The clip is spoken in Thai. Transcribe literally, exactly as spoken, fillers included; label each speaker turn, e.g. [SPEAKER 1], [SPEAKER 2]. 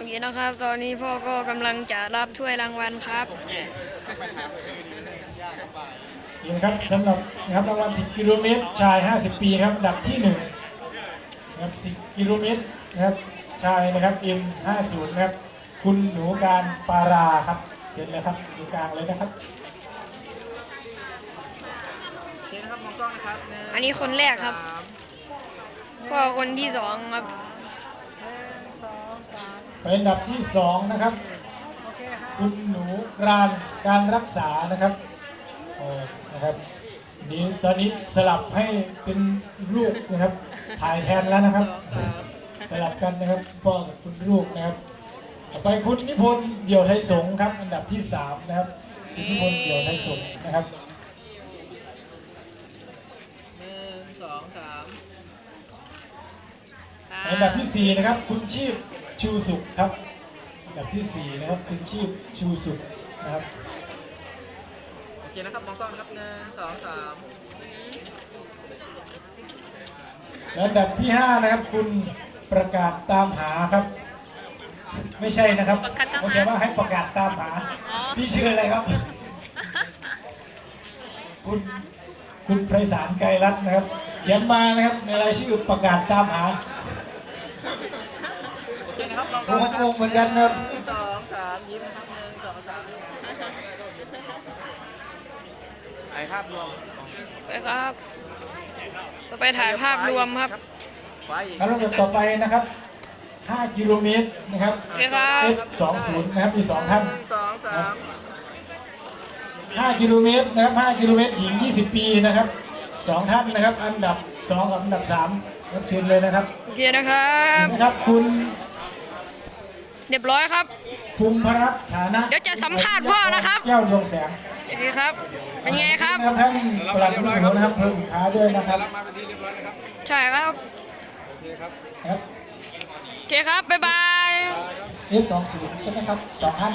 [SPEAKER 1] นี่นะครับตอนนี้พ่อก็กำลังจะรับถ้วยรางวัลครับ
[SPEAKER 2] นี่นะครับสำหรับนะครับรางวัลสิบกิโลเมตรชายห้าสิบปีครับอันดับที่หนึ่งนะครับสิบกิโลเมตรนะครับชายนะครับ เอ็ม ห้าสิบ นะครับคุณหนูการปาราครับเชิญเลยครับอยู่กลางเลยนะครับ
[SPEAKER 3] โอเคนะครับมองกล้องนะครับหง
[SPEAKER 1] อันนี้คนแรกครับ
[SPEAKER 3] สาม
[SPEAKER 1] พ่อคนที่สองครับ
[SPEAKER 2] เป็นอันดับที่สองนะครับ
[SPEAKER 3] โอเคครับ
[SPEAKER 2] คุณหนูการการรักษานะครับโอ้นะครับนี้ตอนนี้สลับให้เป็นลูกนะครับถ่ายแทนแล้วนะครับ สลับกันนะครับพ่อกับคุณลูกนะครับต่อไปคุณนิพนธ์เดี่ยวไทยสงฆ์ครับอันดับที่สามนะครับคุณนิพนธ์เดี่ยวไทยสงฆ์นะครับ
[SPEAKER 3] หนึ่งสองสาม
[SPEAKER 2] อันดับที่สี่นะครับคุณชีพชูสุขครับอันดับที่สี่นะครับคุณชีพชูสุขนะครับ
[SPEAKER 3] โอเคนะครับมองกล้องนะครับหนึ่งสองสาม
[SPEAKER 2] และอันดับที่ห้านะครับคุณประกาศตามหาครับ ไม่ใช่นะครับโอเคว่าให้ประกาศตามหาพี่ชื่ออะไรครับ คุณคุณไพศาลไกรรัตน์นะครับเขียนมานะครับในรายชื่อประกาศตามหา
[SPEAKER 3] โอเคนะครับมองก
[SPEAKER 2] โอ้
[SPEAKER 3] ล้องนะค
[SPEAKER 2] โห
[SPEAKER 3] รับ
[SPEAKER 2] เหมือนกันครับ
[SPEAKER 3] หนึ่งสองสามยิ้มนะครับหนึ่งสองสามไอภาพรวม
[SPEAKER 1] ไปครับต่อไปถ่ายภาพรวมครับ
[SPEAKER 3] ไฟอีก
[SPEAKER 2] แล้วลำดับต่อไปนะครับห้ากิโลเมตรนะครับ
[SPEAKER 1] โอเคครับ
[SPEAKER 2] เอฟ สองสิบ นะครับมีสองท่าน
[SPEAKER 3] หนึ่งสองสาม
[SPEAKER 2] ห้ากิโลเมตรนะครับห้ากิโลเมตรหญิงยี่สิบปีนะครับสองท่านนะครับอันดับสองกับอันดับสามรับเชิญเลยนะครับ
[SPEAKER 1] โอเคนะครับ
[SPEAKER 2] นะครับคุณ
[SPEAKER 1] เรียบร้อยครับ
[SPEAKER 2] ภูมิพรัตน์ฐานะ
[SPEAKER 1] เดี๋ยวจะสัมภาษณ์พ่อนะครับ
[SPEAKER 2] แก้วดวงแสง
[SPEAKER 1] โอเคครับเป็นไงครับ
[SPEAKER 2] นะครับท่านปลัดผู้สูงนะครับเพิ่มขาด้วยนะครับ
[SPEAKER 3] มาเป็นที่เรียบร้อยนะครับ
[SPEAKER 1] ใช่ครับ
[SPEAKER 3] โอเคครับ
[SPEAKER 2] ครับ
[SPEAKER 1] โอเคครับบ๊ายบาย
[SPEAKER 2] เอฟ สองสิบ ใช่ไหมครับสองท่าน